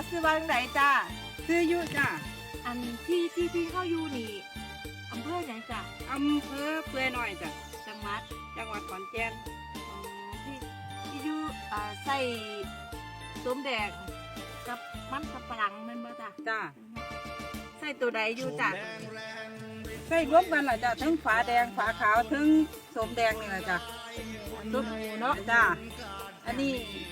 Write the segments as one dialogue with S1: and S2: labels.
S1: ซื้อบ้านไหนจ้า
S2: ซื้ออยู่จ้า
S1: อันที่เข้าอยู่นี่อำเภอไหนจ้ะ
S2: อำเภอเปื่อยน้อยจ้ะ
S1: จังหวัด
S2: จังหวัดขอนแก่น
S1: อ๋อที่อยู่ใส่ส้มแดงกับมันสับปะหลังแมันบ่จ้ะ
S2: จ้า
S1: ใส่ตัวใดอยู่จ้ะ
S2: ใส่รวมกันล่ะจ้ะทั้งฝาแดงฝาขาวทั้งส้มแดงนี่แหละจ้ะ
S1: ตัวหมูเนาะ
S2: จ้าอันนี้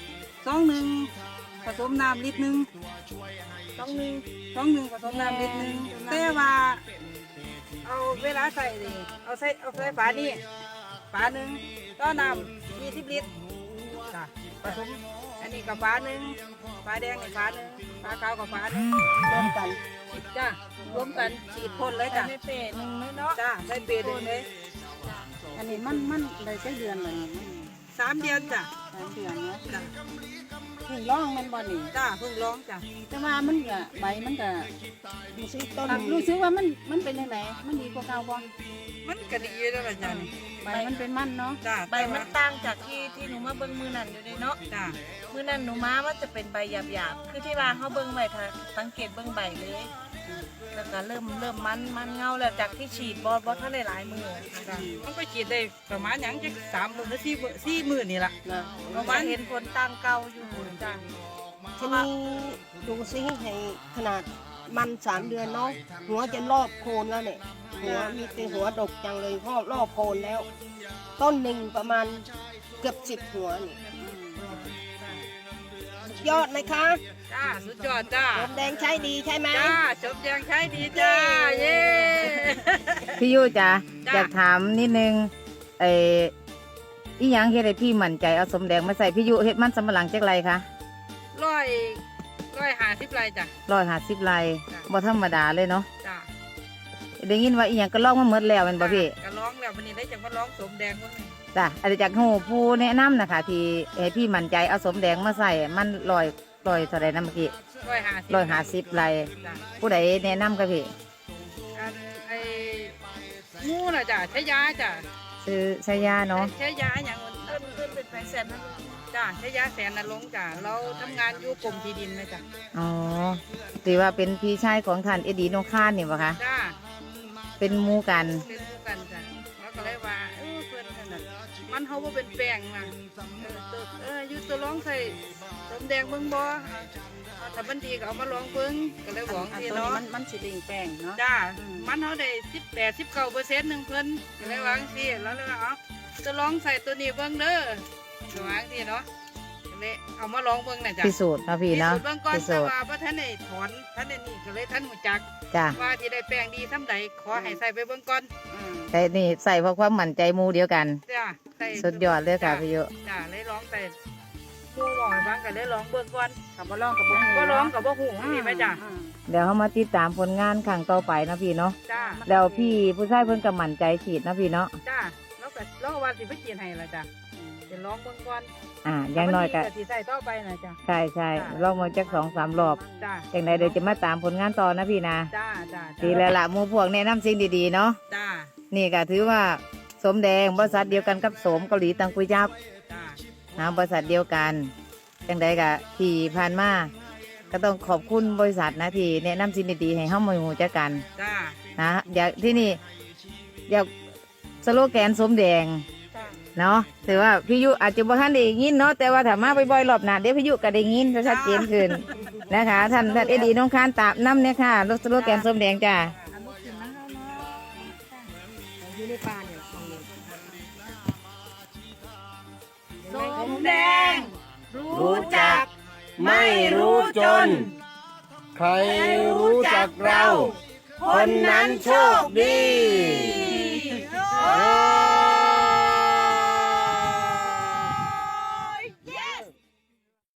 S2: 2 ผสมน้ำลิตรหนึ่ง
S1: ต้องมี
S2: ผสมน้ำลิตรหนึ่งแต่ว่าเอาเวลาใส่นี่เอาใส่ฝานี่ฝาหนึ่งต่อน้ำ20 ลิตรจ้ะผสมอันนี้กับฝาหนึ่งฝาแดงอีกฝาหนึ่งฝาขาวกับฝาหนึ่งรวมกันจ้ารวมกันฉีดพ่นเลย
S1: ใส่
S2: จ้ะ
S1: ในเปรตหนึ่งเลยเนาะ
S2: จ้าใส่เปรย์หนึ่งเลย
S3: อันนี้มันได้ใช้เดือนเลย
S2: 3 เดือนจ้ะ
S3: 3 เดือนเนาะ
S2: จ้ะ
S3: เพิ่งร้องมันบ่นี่
S2: จ้าเพิ่งร้องจ้ะ
S3: แต่ว่ามันก็ใบมันก็
S4: ดูสิต้น
S3: รู้สึกว่ามันเป็นยังไงมันดีกว่าเก่าบ่
S2: มันก็ดีแล้วล่ะจ้ะนี่
S3: ใบมันเป็นมันเนาะ
S2: จ้า
S1: ใบมันต่างจากที่หนูมาเบิ่งมือนั่นอยู่เลยเนาะ
S2: จ้า
S1: มือนั่นหนูมามันจะเป็นใบหยาบๆคือที่ว่าเขาเบิ่งใบถ้าสังเกตเบิ่งใบเลยแล้วก็เริ่มมันเงาแล้วจากที่ฉีดบอท่านได้หลายมือ
S2: จ้ะมันก็ฉีดได้ประมาณอย่างจะ3 มื้อหรือ4 มื้อนี่ล่ะ
S3: นะ
S1: ประมาณเห็นผลต่างเก่าอยู่จ้ะ
S4: ทีนี้ดูสิให้ขนาดมัน3 เดือนเนาะหัวจะรอบโคนแล้วเนี่ยหัวมีแต่หัวดกจังเลยรอบโคนแล้ว ต้นหนึ่งประมาณเกือบ10 หัวนี่ยอดไหมคะ
S2: จ้าสุดยอดจ้า
S4: ลมแดงใช้ดีใช่ไหม
S2: จ้าจบยังใช้ดีจ้าเย้
S5: พี่ยุจ้ะ
S2: จ้ะ
S5: อยากถามนิดนึงอีหยังเฮ็ดให้พี่มั่นใจเอาสมแดงมาใส่พี่ยุเฮ็ดมันสำปะหลังจักไรคะ
S2: 150 ไร่จ้ะ
S5: 150ไร่
S2: จ้ะ
S5: บ่ธรรมดาเลยเนาะ
S2: จ้า
S5: ได้ยินว่าอีหยังก็ลองมาหมดแล้วแม่นบ่พี่
S2: ก็ร้องแล้ววันนี้ได้จังว่าร้องสมแดงคนนี้
S5: จ้ะอาจจะจากฮู้ผู้แนะนำนะคะที่ให้พี่มั่นใจเอาสมแดงมาใส่มันลอยเท่าใดนะเมื่อกี้
S2: 150
S5: 150ไร่
S2: จ้า
S5: ผู้ใดแนะนำกับพี่
S2: อันไอ้งูน่ะจ้ะใช้ยาจ้ะ
S5: ซื้อใช้ยาเนาะ
S2: ใช้ยาอย่างอื่น
S1: เพิ่นเป็นแฟนแสนนั่น
S2: จ้าใช้ยาแสนนรงค์จ้ะเราทำงานอยู่กรมที่ดินนะจ้ะ
S5: อ๋อถือว่าเป็นพี่ชายของท่านเอดีนงคานนี่บ่คะ
S2: จ้า
S5: เป็นหมู่กัน
S2: เป็นคู่กันจ้ะแล้วก็เลยว่าเพื่อนนั่นน่ะมันเขาว่าเป็นแป้งมาอยู่ตัวร้องใส่สมแดงเบิ่งบ่ถ้ามันดีก็เอามาลองเบิ่งก็เลยหวัง
S3: อัน
S2: ที่
S3: ตัวนี้
S2: เนาะ
S3: มันสิลิงแป้งเนาะ
S2: จ้ามันเขาได้18-19%หนึ่งเพิ่นก็เลยหวังที่แล้วเลยว่าเอาจะลองใส่ตัวนี้เบิ่งเด้อก็หวังที่เนาะก็เลยเอามาลองเบิ่งน่ะจ้ะ
S5: พิสูจน์เนาะพี่เนาะ
S2: พิสูจน์เบิ่งก่อน
S5: พิ
S2: แต่
S5: สูจน์
S2: ว่าบ่ทันได้ถอนทันได้นี่ก็เลยทันหูจัก
S5: จ้ะ
S2: ว่าที่ได้แป้งดีซ้ำใดขอให้ใส่ไปเบิ่งก่อน
S5: แต่นี่ใส่เพราะความมั่นใจหมู่เดียวกัน
S2: จ้าใส่
S5: สุดยอดเลยค่ะพี่ยุ
S2: จ้าเลยร้องแต่หมู่บอกให้ฟังก็เลยร้องเบิ่งก่อน
S3: คำว่าร้องกับบ่ฮู้
S2: บ่ร้องก็บ่ฮู้นี่แม่จ้า
S5: เดี๋ยวเขามาติดตามผลงานครั้งต่อไปนะพี่เนาะ
S2: จ้า
S5: แล้วพี่ผู้ชายเพิ่นก็มั่นใจฉีดนะพี่เนาะ
S2: จ้าแล้วก็ว่าสิไปกินให้ล่ะจ้าจะร้องเบิ่งก่อน
S5: อย่างน้อยก็
S2: ถ้ามัดีสิใส่ต่อไปน่ะจ้า
S5: ใช่ใช่
S2: จ้ะ
S5: ลองมาจัก2-3 รอบ
S2: จ้า
S5: จังใดเดี๋ยวจะมาตามผลงานต่อนะพี่นะ
S2: จ้าจ้า
S5: ดีแล้วล่ะหมู่พวกแนะนำสิ่งดีๆเนาะ
S2: จ้า
S5: นี่ก็ถือว่าสมแดงบริษัทเดียวกันกับโสมเกาหลีตังกุยจับ
S2: จ้า
S5: นะบริษัทเดียวกันจังใดก็ที่ผ่านมาก็ต้องขอบคุณบริษัทนะที่แนะนำสิ่งดีๆให้เฮามาหูจักกัน
S2: จ้า
S5: นะอยากที่นี่อยากสโลแกนสมแดง
S1: จ้ะ
S5: เนาะถือว่าพี่ยุอาจจะบ่ทันได้ยินเนาะแต่ว่าถ้ามาบ่อยๆรอบหน้าเดี๋ยวพี่ยุก็ได้ยินจะชัดเจนขึ้นนะคะท่านเอดีน้องคานตามน้ำเนี่ยค่ะรถสโลแกนสมแดงจ้า
S1: อันนี้กินนะคะเนาะ
S4: อยู่ในป่าเนี่ย
S1: ส้มแดง
S6: รู้จัก ไม่รู้จน ใครรู้จักเรา คนนั้นโชคดี
S1: โอ้